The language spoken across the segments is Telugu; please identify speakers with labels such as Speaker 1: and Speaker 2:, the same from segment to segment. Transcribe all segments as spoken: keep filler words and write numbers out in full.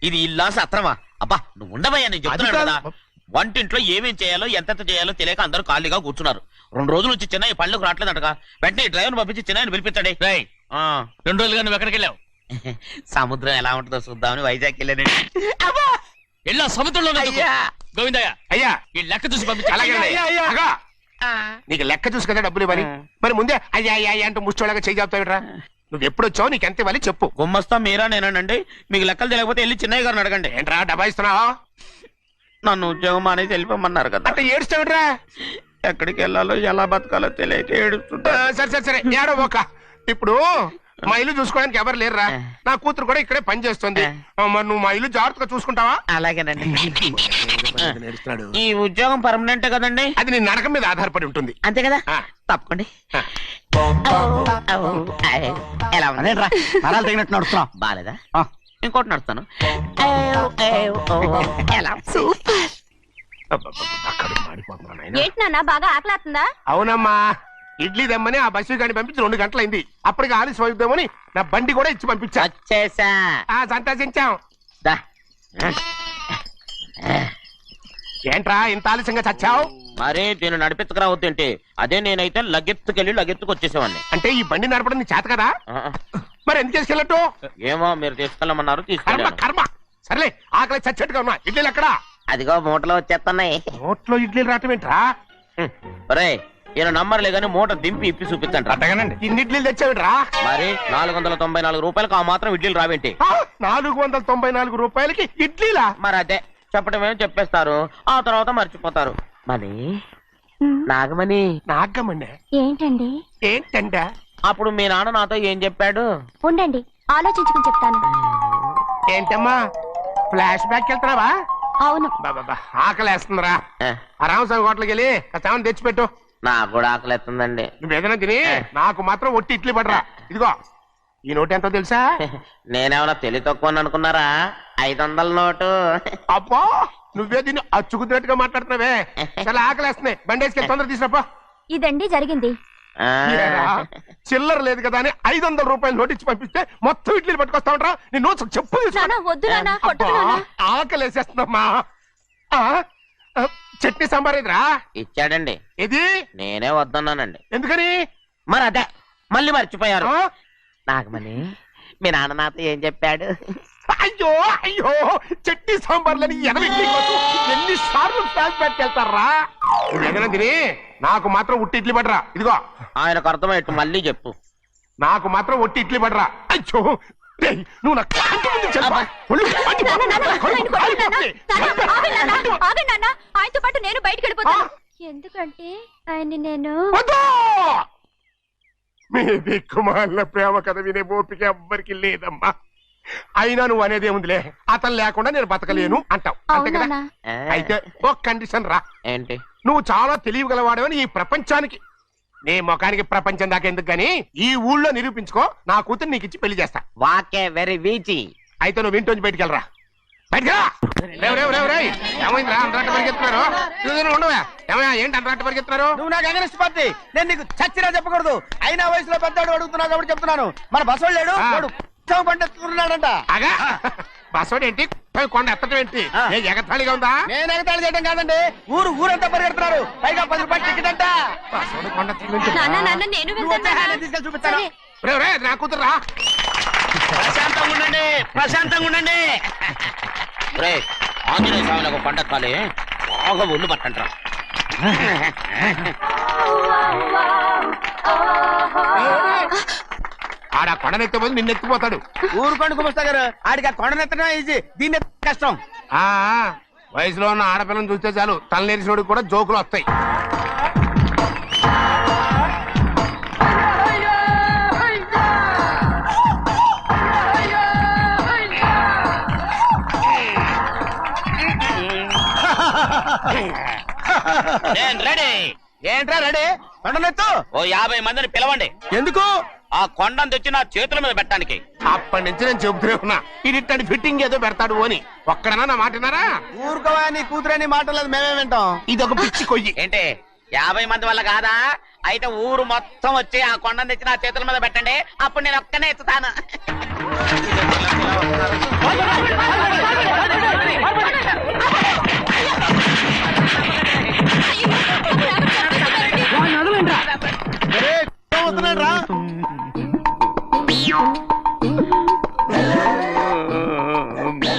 Speaker 1: ఇది ఇల్లా సత్రమా? అబ్బా నువ్వు ఉండవయ్యా, నేను చెప్తున్నాను కదా. వంటింట్లో ఏమేం చేయాలో ఎంతెంత చేయాలో తెలియక అందరూ ఖాళీగా కూర్చున్నారు. రెండు రోజుల నుంచి చిన్న పళ్ళకు రావట్లేదంటగా. వెంటనే డ్రైవర్ పంపించి చిన్న పిలిపించండి.
Speaker 2: రెండు రోజులుగా నువ్వు ఎక్కడికి వెళ్ళావు?
Speaker 1: సముద్రం ఎలా ఉంటుందో చూద్దామని వైజాగ్ వెళ్ళానండి.
Speaker 2: వెళ్ళా సముద్రంలో గోవిందయ్య
Speaker 3: అయ్యా
Speaker 2: ఈ లెక్క చూసి పంపించా.
Speaker 3: నీకు లెక్క చూసి కదా డబ్బులు ఇవ్వాలి. మరి ముందే అయ్యా అయ్యా అయ్యా అంటూ ముష్టోళ్ళగా చేయి చెప్తావిట్రా. నువ్వు ఎప్పుడు వచ్చావు, నీకు ఎంత ఇవ్వాలి చెప్పు.
Speaker 1: గుమ్మస్తా మీరా నేనండి. మీకు లెక్కలు తెలియకపోతే వెళ్ళి చిన్నయ్య గారిని అడగండి.
Speaker 3: ఏంట్రా డబ్బా ఇస్తున్నావా?
Speaker 1: నన్ను ఉద్యోగం అనేది వెళ్ళిపోమన్నారు కదా.
Speaker 3: అంటే ఏడుస్తావిట్రా.
Speaker 1: ఎక్కడికి వెళ్ళాలో ఎలా బతకాలో తెలియక ఏడుస్తుంటా.
Speaker 3: సరే సరే సరే ఏడో ఒక. ఇప్పుడు మా ఇల్లు చూసుకోవడానికి ఎవరు లేరురా. నా కూతురు కూడా ఇక్కడే పని చేస్తుంది. మరి నువ్వు మా ఇల్లు జాగ్రత్తగా చూసుకుంటావా?
Speaker 1: అలాగేనండి. ఈ ఉద్యోగం పర్మనెంట్ కదండి?
Speaker 3: అది నీ నరకం మీద ఆధారపడి ఉంటుంది.
Speaker 1: అంతే కదా, తప్పకండి. ఎలా ఉందిరా?
Speaker 4: నరాలు తగినట్టు నడుస్తున్నావు.
Speaker 1: బాలేదా? ఇంకోటి నడుస్తాను.
Speaker 5: ఏంటి నాన్న బాగా ఆకలాతుందా?
Speaker 3: అవునమ్మా, ఇడ్లీ దమ్మని ఆ బస్సు గాని పంపించి రెండు గంటలైంది. అప్పటికి ఆలస్యం అవుతామని నా బండి కూడా ఇచ్చి పంపించా.
Speaker 1: వచ్చేసా.
Speaker 3: సంతోషించాం. ఏంట్రా ఇంత ఆలస్యంగా చచ్చావు?
Speaker 1: మరి దీన్ని నడిపించకరావద్దేంటి? అదే నేనైతే లగెత్తుకెళ్ళి లగెత్తుకు వచ్చేసేవాడిని.
Speaker 3: అంటే ఈ బండి నడపడం నీ చేత కదా? మరి ఎందుకు తీసుకెళ్ళట్టు?
Speaker 1: ఏమో మీరు తీసుకెళ్ళమన్నారు,
Speaker 3: కర్మ
Speaker 1: తీసుకెళ్ళాను.
Speaker 3: కర్మ. సర్లే ఆకలి చచ్చేట్టుగా ఉన్నా. ఇడ్లీలు ఎక్కడా?
Speaker 1: అదిగో మూటలో వచ్చేస్తున్నాయి.
Speaker 3: నోట్లో ఇడ్లీలు రావటం ఏంట్రా?
Speaker 1: రే ఈయన నంబర్లే గానీ మూట దింపి ఇప్పి చూపించండి.
Speaker 3: అట్టగానండి. ఇన్ని ఇడ్లీలు తెచ్చావిడ్రా?
Speaker 1: మరి నాలుగు వందల తొంభై నాలుగు రూపాయలకు ఆ మాత్రం ఇడ్లీలు రావేంటి?
Speaker 3: నాలుగు వందల తొంభై నాలుగు రూపాయలకి ఇడ్లీలా?
Speaker 1: మరి అదే చెప్పడమే చెప్పేస్తారు, ఆ తర్వాత మర్చిపోతారు. మరి నాగమణి.
Speaker 3: నాగమణి
Speaker 5: ఏంటండి?
Speaker 3: ఏంటంట?
Speaker 1: అప్పుడు మీ నాన్న నాతో ఏం చెప్పాడు?
Speaker 5: ఉండండి ఆలోచించుకుని చెప్తాను.
Speaker 3: ఏంటమ్మా ఫ్లాష్ బ్యాక్ వెళ్తున్నావా?
Speaker 5: అవును.
Speaker 3: బాబా ఆకలి వేస్తుందిరా. ఆ రామస్వామి హోటల్కి వెళ్ళి కాస్త తెచ్చిపెట్టు.
Speaker 1: నాకు కూడా ఆకలి ఎత్తుందండి.
Speaker 3: నువ్వేదైనా తిని నాకు మాత్రం ఒట్టి ఇడ్లీ పడరా. ఇదిగో ఈ నోటు ఎంతో తెలుసా?
Speaker 1: నేనేమన్నా తెలివి తక్కువ అనుకున్నారా? ఐదు వందల నోటు.
Speaker 3: అబ్బా నువ్వే దీన్ని అచ్చుకుతున్నట్టుగా మాట్లాడుతున్నావే. చాలా ఆకలి వేస్తున్నాయి. బండేసుకెళ్ళి తొందర తీసినప్ప.
Speaker 5: ఇదండి జరిగింది.
Speaker 3: చిల్లర లేదు కదా అని ఐదు వందల రూపాయలు నోటు ఇచ్చి పంపిస్తే మొత్తం ఇడ్లీలు పట్టుకొస్తా ఉంటా. నీ నోట్స్ చెప్పు. ఆకలి వేసేస్తున్నామ్మా. చట్నీ సాంబార్ ఇదిరా.
Speaker 1: ఇచ్చాడండి.
Speaker 3: ఇది
Speaker 1: నేనే వద్దన్నానండి.
Speaker 3: ఎందుకని?
Speaker 1: మరి అదే మళ్ళీ మర్చిపోయారు. నాగమణి మీ నాన్న నాతో ఏం చెప్పాడు?
Speaker 3: అయ్యో అయ్యో చట్నీ సాంబార్లని ఎన్ని సార్లు ఫ్లాష్ బ్యాక్ వెళ్తారా? ఏదైనా తిని నాకు మాత్రం ఉట్టి ఇడ్లీ పడరా. ఇదిగో
Speaker 1: ఆయనకు అర్థమయ్యట్టు మళ్ళీ చెప్పు.
Speaker 3: నాకు మాత్రం ఒట్టి ఇడ్లీ పడరా. అయ్యో నువ్వు
Speaker 5: ఆయనతో పాటు నేను బయటకు వెళ్ళిపోతాను. ఎందుకంటే ఆయన నేను
Speaker 3: మీ దిక్కుమాల ప్రేమ కథ వినే ఓపిక ఎవ్వరికి లేదమ్మా. అయినా నువ్వు అనేది ఏముందిలే, అతను లేకుండా నేను బతకలేను అంటావు అంతే కదా? అయితే ఒక కండిషన్ రా.
Speaker 1: ఏంటి?
Speaker 3: నువ్వు చాలా తెలియగలవాడవని ఈ ప్రపంచానికి, నీ ముఖానికి ప్రపంచం దాకా ఎందుకు గానీ ఈ ఊళ్ళో నిరూపించుకో. నా కూతురు నీకు ఇచ్చి పెళ్లి చేస్తా.
Speaker 1: వాకే వెరీ వీచి.
Speaker 3: అయితే నువ్వు ఇంటి బయటికి వెళ్ళరా. బయటరా. ఏమైందిరా అంతరాట పరిగెత్తున్నారు? ఉండవా? ఏమయ్యా ఏంటి అంతరాట పరిగెత్తున్నారు?
Speaker 4: నువ్వు నాకు అగనిస్ట్ పార్టీ. నేను నీకు చచ్చినా చెప్పకూడదు. అయినా వయసులో పెద్దవాడు అడుగుతున్నావు కాబట్టి చెప్తున్నాను. మన బసోడు లేడు పండుతున్నాడంట.
Speaker 3: అగా బసోడు ఏంటి? కొండ ఎత్తడం ఏంటి? ఎగతాళిగా ఉందా?
Speaker 4: నేను ఎగతాళి చేయడం కాదండి, ఊరు ఊరంతా పరిగెడుతున్నారు. పైగా పది రూపాయలు టికెట్ అంట.
Speaker 3: బసోడు కొండ
Speaker 4: తీసుకెళ్ళి చూపిస్తాను.
Speaker 3: నా కూతురా.
Speaker 1: ప్రశాంతంగా ఉండండి, ప్రశాంతంగా ఉండండి. ఆంజనేయ స్వామికి పండగ కాలే బాగా ఒళ్ళు పట్టంటారా.
Speaker 3: ఆడ కొండనెత్తే పోతే నిన్నెత్తిపోతాడు.
Speaker 4: ఊరు కొండ కుమస్తా గారు ఆడికి ఆ కొండనెత్తడం ఈజీ, దీన్ని కష్టం.
Speaker 3: ఆ వయసులో ఉన్న ఆడపిల్లని చూస్తే చాలు తలనేరిసినోడికి కూడా జోకులు వస్తాయి.
Speaker 4: ఏంట్రా రెడీ? కొండనెత్తు.
Speaker 1: ఓ యాభై మందిని పిలవండి.
Speaker 4: ఎందుకు?
Speaker 1: ఆ కొండను తెచ్చి నా చేతుల మీద పెట్టడానికి.
Speaker 3: అప్పటి నుంచి నేను చెబుతూనే ఉన్నా ఇది ఫిట్టింగ్ ఏదో పెడతాడు అని. ఒక్కడనా నా మాటనారా?
Speaker 4: ఊరుకోవా, నీ కూతురని మాటలేదు మేమే వింటాం.
Speaker 3: ఇది ఒక పిచ్చి కొయ్యి.
Speaker 1: ఏంటి యాభై మంది వల్ల కాదా? అయితే ఊరు మొత్తం వచ్చి ఆ కొండను తెచ్చి నా చేతుల మీద పెట్టండి, అప్పుడు నేను ఒక్కనే ఎత్తుతాను.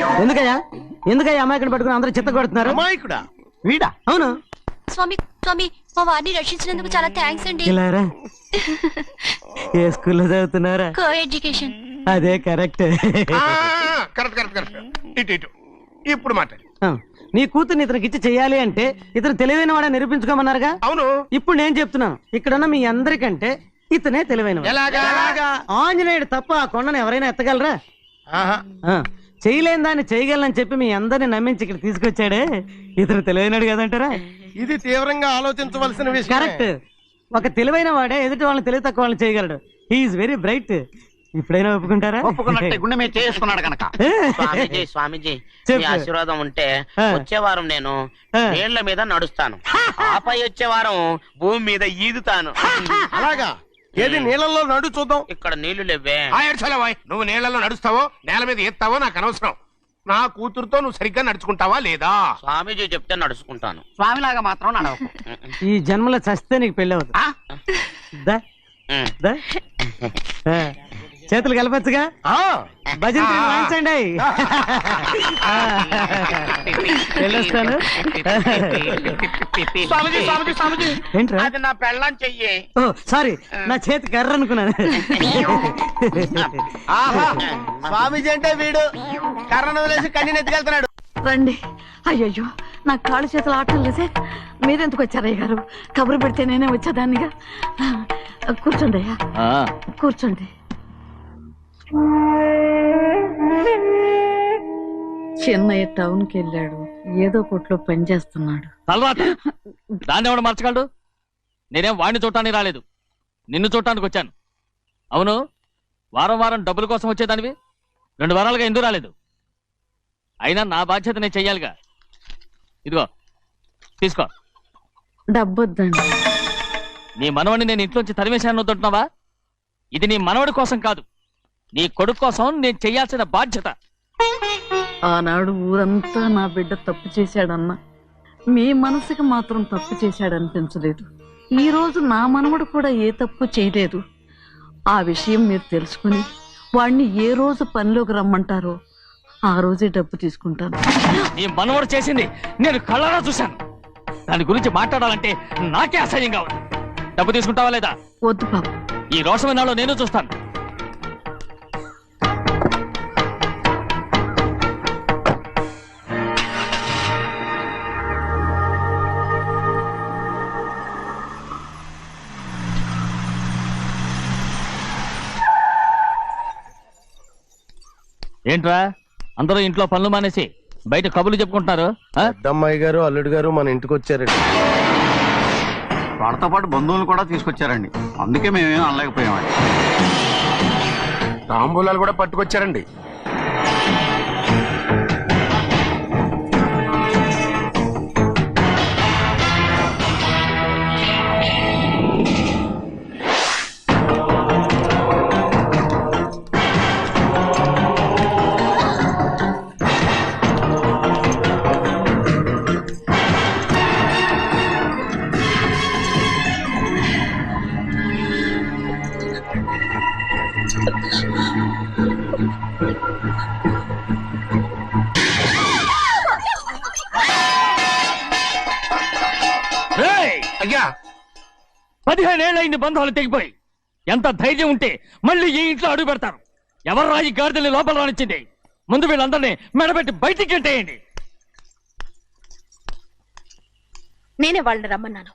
Speaker 6: ఎందుకయ్యా ఎందుకయ్యా అమాయకుని పట్టుకుని అందరూ చిత్త కొడుతున్నారు?
Speaker 3: అమాయకుడా?
Speaker 6: వీడా? అవును.
Speaker 5: స్వామి స్వామి మా వారిని రక్షించినందుకు చాలా థ్యాంక్స్ అండి.
Speaker 6: ఇలారా ఏ స్కూల్లో చదువుతున్నారా?
Speaker 5: Coeducation.
Speaker 6: అదే కరెక్ట్.
Speaker 3: Correct correct correct. ఇటు ఇటు ఇప్పుడు మాట్లాడు.
Speaker 6: నీ కూతుర్ని ఇతనికి ఇచ్చి చెయ్యాలి అంటే ఇతను తెలివైన వాడని నిరూపించుకోమన్నారుగా.
Speaker 3: అవును.
Speaker 6: ఇప్పుడు నేను చెప్తున్నాను, ఇక్కడున్న మీ అందరికంటే ఇతనే తెలివైన. ఆంజనేయుడు తప్ప ఆ కొండను ఎవరైనా ఎత్తగలరా? చేయలేని దాన్ని చేయగలనని చెప్పి మీ అందరిని నమ్మించి ఇక్కడ తీసుకొచ్చాడే, ఇతను తెలివైనడు కదంటారా?
Speaker 3: ఇది తీవ్రంగా ఆలోచించవలసిన విషయం.
Speaker 6: కరెక్ట్. ఒక తెలివైన వాడే ఎదుటి వాళ్ళని తెలివి తక్కువ వాళ్ళని చేయగలడు. He is very bright. ఇప్పుడైనా ఒప్పుకుంటారా?
Speaker 4: ఒప్పుకున్నట్టే గుండె మీద చేసుకున్నాడు కనుక.
Speaker 1: స్వామీజీ స్వామీజీ మీ ఆశీర్వాదం ఉంటే వచ్చే వారం నేను నీళ్ల మీద నడుస్తాను, ఆపై వచ్చే వారం భూమి మీద ఈదుతాను.
Speaker 3: అలాగా? ఏది నీళ్ళల్లో నడు చూద్దాం.
Speaker 1: ఇక్కడ నీళ్లు లేవే.
Speaker 3: నువ్వు నీళ్ళలో నడుస్తావో నేల మీద ఎత్తావో నాకు అనవసరం. నా కూతురుతో నువ్వు సరిగ్గా నడుచుకుంటావా లేదా?
Speaker 1: స్వామీజీ చెప్తే నడుచుకుంటాను.
Speaker 4: స్వామిలాగా మాత్రం నడవకు.
Speaker 6: ఈ జన్మలో చస్తే నీకు పెళ్ళి అవుతుంది. దా, దా. ఆ, చేతులు కలపచ్చుగా. భజన వాయించండి. వెళ్ళొస్తాను.
Speaker 1: స్వామీజీ స్వామీజీ స్వామీజీ
Speaker 6: ఏంట్రా?
Speaker 1: అది నా పెళ్ళం చెయ్యి.
Speaker 6: ఓ సారీ, నా చేతి కర్ర అనుకున్నాను.
Speaker 4: ఆహా, స్వామీజీ అంటే వీడు కర్రను వదిలేసి కన్నీ నెత్తికెళ్తున్నాడు.
Speaker 7: రండి. అయ్యయ్యో నా కాళ్ళు చేతులు ఆటం లేదే. మీరెందుకు వచ్చారయ్య గారు? కబురు పెడితే నేనే వచ్చేదాన్నిగా. కూర్చోండి అయ్యా, కూర్చోండి. చిన్నయ్య టౌన్ కి వెళ్ళాడు, ఏదో కొట్లో పని చేస్తున్నాడు.
Speaker 2: తలరాత దాన్ని ఎవడు మర్చగలడు? నేనేం వాడిని చూడటానికి రాలేదు, నిన్ను చూడటానికి వచ్చాను. అవును, వారం వారం డబ్బుల కోసం వచ్చేదానివి రెండు వారాలుగా ఎందుకు రాలేదు? అయినా నా బాధ్యత నేను చెయ్యాలిగా. ఇదిగో తీసుకో.
Speaker 7: డబ్బొద్దండి.
Speaker 2: నీ మనవడిని నేను ఇంట్లోంచి తరిమేశాను వద్దంటున్నావా? ఇది నీ మనవడి కోసం కాదు, నీ కొడుకు కోసం నేను చెయ్యాల్సిన బాధ్యత.
Speaker 7: ఆనాడు ఊరంతా నా బిడ్డ తప్పు చేశాడన్నా మీ మనసుకి మాత్రం తప్పు చేశాడనిపించలేదు. ఈ రోజు నా మనవడు కూడా ఏ తప్పు చేయలేదు. ఆ విషయం మీరు తెలుసుకుని వాణ్ణి ఏ రోజు పనిలోకి రమ్మంటారో ఆ రోజే డబ్బు తీసుకుంటాను.
Speaker 2: నీ మనవడు చేసింది నేను కళ్ళారా చూశాను. దాని గురించి మాట్లాడాలంటే నాకే అసహ్యంగా ఉంది. డబ్బు తీసుకుంటావా లేదా?
Speaker 7: వద్దు బాబు.
Speaker 2: ఈ రోషమైన నాలో నేను చూస్తాను. ఏంట్రా అందరూ ఇంట్లో పనులు మానేసి బయట కబుర్లు చెప్పుకుంటున్నారు?
Speaker 3: పెద్దమ్మాయి గారు అల్లుడు గారు మన ఇంటికి వచ్చారండి.
Speaker 4: వాళ్ళతో పాటు బంధువులు కూడా తీసుకొచ్చారండి, అందుకే మేమేం అనలేకపోయామండి.
Speaker 3: తాంబూలాలు కూడా పట్టుకొచ్చారండి. అయ్యా,
Speaker 2: పదిహేనేళ్ళయింది బంధాలు తెగిపోయి. ఎంత ధైర్యం ఉంటే మళ్ళీ ఈ ఇంట్లో అడుగు పెడతారు? ఎవరు రాయి గాడిదల్ని లోపల రానిచ్చింది? ముందు వీళ్ళందరినీ మెడబెట్టి బయటికి గెంటేయండి.
Speaker 5: నేనే వాళ్ళని రమ్మన్నాను.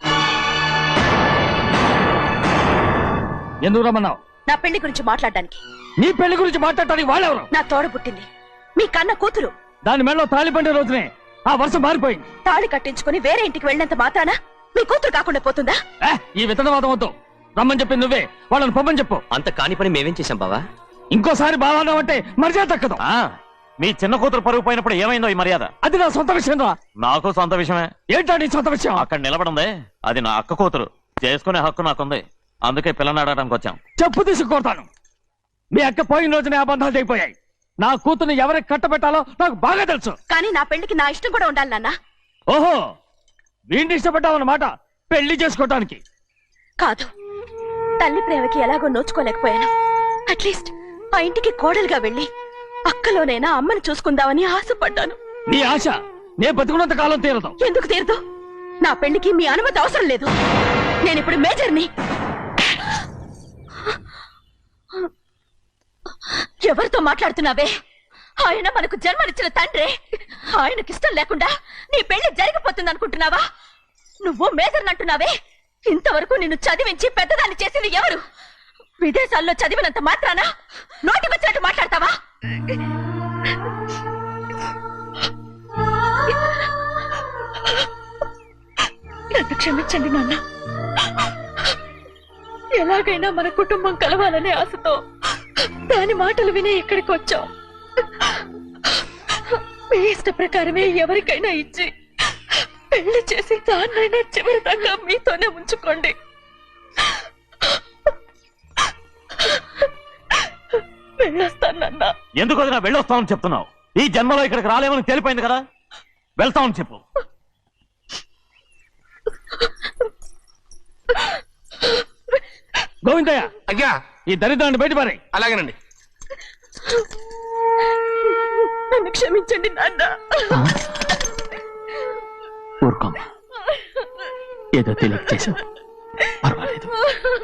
Speaker 2: ఎందుకు రమ్మన్నావు?
Speaker 5: నా పెళ్లి గురించి మాట్లాడడానికి.
Speaker 2: నీ పెళ్లి గురించి మాట్లాడటానికి వాళ్ళెవరు?
Speaker 5: నా తోడ పుట్టింది మీ కన్న కూతురు.
Speaker 2: దాని మెడలో తాళి పండే రోజునే ఆ వర్షం మారిపోయింది.
Speaker 5: తాళి కట్టించుకుని వేరే ఇంటికి వెళ్ళినంత మాత్రాన మీ కూతురు కాకుండా పోతుందా?
Speaker 2: ఈ విత్తనవాదం వద్దు. రమ్మని చెప్పి నువ్వే వాళ్ళని పొమ్మని చెప్పు.
Speaker 8: అంత కాని పని మేమేం చేశాం బావా?
Speaker 2: ఇంకోసారి బావాన్నావంటే మర్యాద తక్కదు.
Speaker 8: మీ చిన్న కూతురు పరుగు పోయినప్పుడు ఏమైందో ఈ మర్యాద?
Speaker 2: అది నా సొంత విషయం రా.
Speaker 8: నాకు సొంత విషయమే.
Speaker 2: ఏంటా నీ సొంత విషయం?
Speaker 8: అక్కడ నిలబడిందే అది నా అక్క కూతురు, చేసుకునే హక్కు నాకుంది. అందుకే పిల్లని అడగడానికి వచ్చాం.
Speaker 2: చెప్పు తీసుకొడతాను. మీ అక్క పోయిన రోజునే ఆ బంధాలు తెగిపోయాయి. నా కూతుర్ని ఎవరికి కట్టబెట్టాలో నాకు బాగా తెలుసు.
Speaker 5: కానీ నా పెళ్లికి నా ఇష్టం కూడా ఉండాలి నాన్న.
Speaker 2: ఓహో, వీడిని ఇష్టపడ్డావన్నమాట పెళ్లి చేసుకోవటానికి?
Speaker 5: కాదు, తల్లి ప్రేమకి ఎలాగో నోచుకోలేకపోయాను. అట్లీస్ట్ ఆ ఇంటికి కోడలుగా వెళ్ళి అక్కలోనైనా అమ్మని చూసుకుందామని ఆశపడ్డాను.
Speaker 2: నీ ఆశ నే బతుకున్నంత కాలం తీరదు.
Speaker 5: ఎందుకు తీరదు? నా పెళ్లికి మీ అనుమతి అవసరం లేదు. నేను ఇప్పుడు మేజర్ని. ఎవరితో మాట్లాడుతున్నావే? ఆయన మనకు జన్మనిచ్చిన తండ్రే. ఆయనకిష్టం లేకుండా నీ పెళ్లి జరిగిపోతుంది అనుకుంటున్నావా? నువ్వు మేజర్ని అంటున్నావే. ఇంతవరకు నిన్ను చదివించి పెద్దదాన్ని చేసింది ఎవరు? విదేశాల్లో చదివినంత మాత్రాన నోటి వచ్చినట్టు మాట్లాడతావా? నన్ను క్షమించండి నాన్న. ఎలాగైనా మన కుటుంబం కలవాలనే ఆశతో దాని మాటలు వినే ఇక్కడికి వచ్చాం. మీ ఇష్ట ప్రకారమే ఎవరికైనా ఇచ్చి పెళ్లి చేసి దాన్నైనా చివరి దాకా మీతోనే ఉంచుకోండి. వెళ్ళొస్తానన్నా.
Speaker 8: ఎందుకు వదినా వెళ్ళొస్తామని చెప్తున్నావు? ఈ జన్మలో ఇక్కడికి రాలేమని తెలిపోయింది కదా, వెళ్తామని చెప్పు.
Speaker 2: గోవిందయ్య,
Speaker 3: అయ్యా
Speaker 2: ఈ దరిద్రాన్ని బయటపడే.
Speaker 3: అలాగేనండి.
Speaker 5: నన్ను క్షమించండి నాన్న.
Speaker 2: ఊరుకోమ్మా, ఏదో తెలియక చేసావు, పర్వాలేదు.